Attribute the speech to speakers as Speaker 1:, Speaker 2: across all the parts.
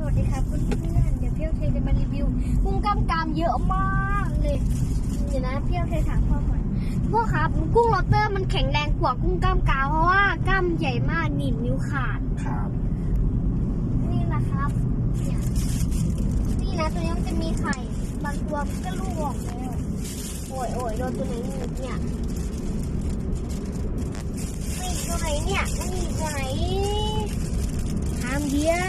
Speaker 1: วัสดีครับเพื่อนๆเดี๋ยวพี่โอเคจะมารีวิวกุ้งกล้ามกรามเยอะมากเลยเดี๋ยวนะพี่โอเคถามพ่อก่อนพ่อครับกุ้งลอตเตอร์มันแข็งแรงกว่ากุ้งกล้ามกรามเพราะว่ากล้ามใหญ่มากหนีบนิ้วขาด
Speaker 2: ครับ
Speaker 1: นี่นะครับเนี่ยนี่นะตัวนี้มันจะมีไข่บางตัวมันก็ลูกออกแล้วโอ้ยโดนตัวไหนหนีบเนี่ยนี่ตัวไหนเนี่ยมันหนีบตัวไหนทำเดียว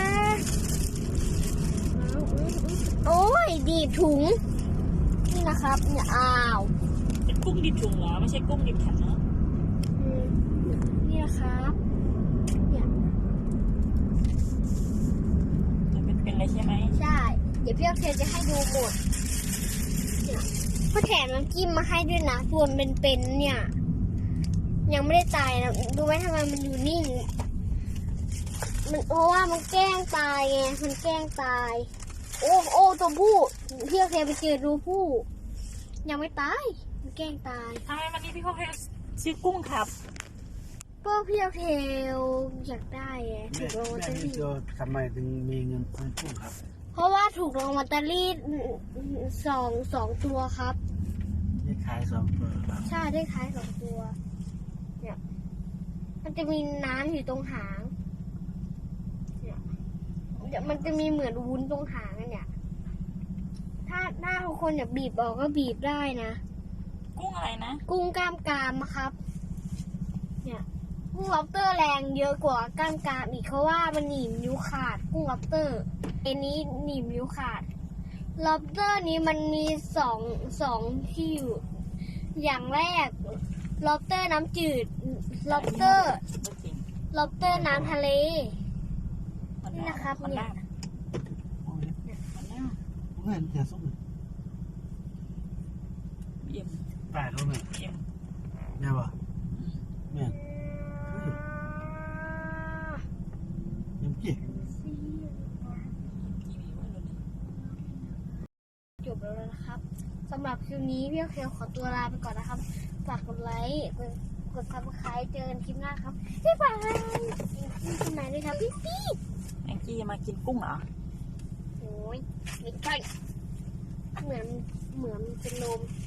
Speaker 1: โอ้ยดีบถุงนี่นะครับเนี่ยอ้าว
Speaker 3: เป็นกุ้งดิบถุงเหรอไม่ใช่กุ้งดิบแผ่นเนาะ
Speaker 1: นี่นะครับเนี่ย
Speaker 3: จะเป็นอะไรใช่ไหม
Speaker 1: ใช่เดี๋ยวพี่โอเคจะให้ดูหมดเนี่ยเขาแถมน้ำจิ้มมาให้ด้วยนะส่วนเป็นเนี่ยยังไม่ได้ตายนะดูไหมทำไมมันอยู่นิ่งมันเพราะว่ามันแกล้งตายไงมันแกล้งตายโอ้ตัวผู้พี่โอเคไปเจอดูผู้ยังไม่ตายมันแกล้งตาย
Speaker 3: ทำไมวันนี้พี่เขาให้ซื้อกุ้งครับ
Speaker 1: ก็พี่โอเคอยากได้ไงถูกรางวัลลอตเตอรี่
Speaker 2: ทำไมถึงมีเงินซื้อกุ้งครับ
Speaker 1: เพราะว่าถูกรางวัลลอตเตอรี่สองตัวครับ
Speaker 2: ได้ขาย2 ตัวครับ
Speaker 1: ใช่ได้ขาย2 ตัวเนี่ยมันจะมีน้ำอยู่ตรงหางเนี่ยเดี๋ยวมันจะมีเหมือนวุ้นตรงหางเนี่ยถ้าทุกคนอยากบีบออกก็บีบได้นะ
Speaker 3: กุ้งอะไรนะ
Speaker 1: กุ้งกล้ามกรามครับเนี่ยกุ้งล็อบสเตอร์แรงเยอะกว่ากล้ามกรามอีกเพราะว่ามันหนีบนิ้วขาดกุ้งล็อบสเตอร์อันนี้หนีบนิ้วขาดล็อบสเตอร์นี้มันมีสองที่อยู่อย่างแรกล็อบสเตอร์น้ำจืดล็อบสเตอร์น้ำทะเลนี่นะครับเนี่ย
Speaker 2: เงินจะส่ง
Speaker 3: เยี่ยม
Speaker 2: ตายแล้วเนี่ย
Speaker 3: เยี่ยม
Speaker 2: เนี่ยป่ะเนี่ยยังเก่ง
Speaker 1: จบแล้วนะครับสำหรับคลิปนี้พี่โอเคขอตัวลาไปก่อนนะครับฝากกดไลค์กดซับสไครต์เจอกันคลิปหน้าครับบ๊ายบายที่ไหนเลยครับพี่
Speaker 3: แองจี้มากินกุ้งเหรอ
Speaker 1: โอ้ยไม่ใช่เหมือนเป็นลม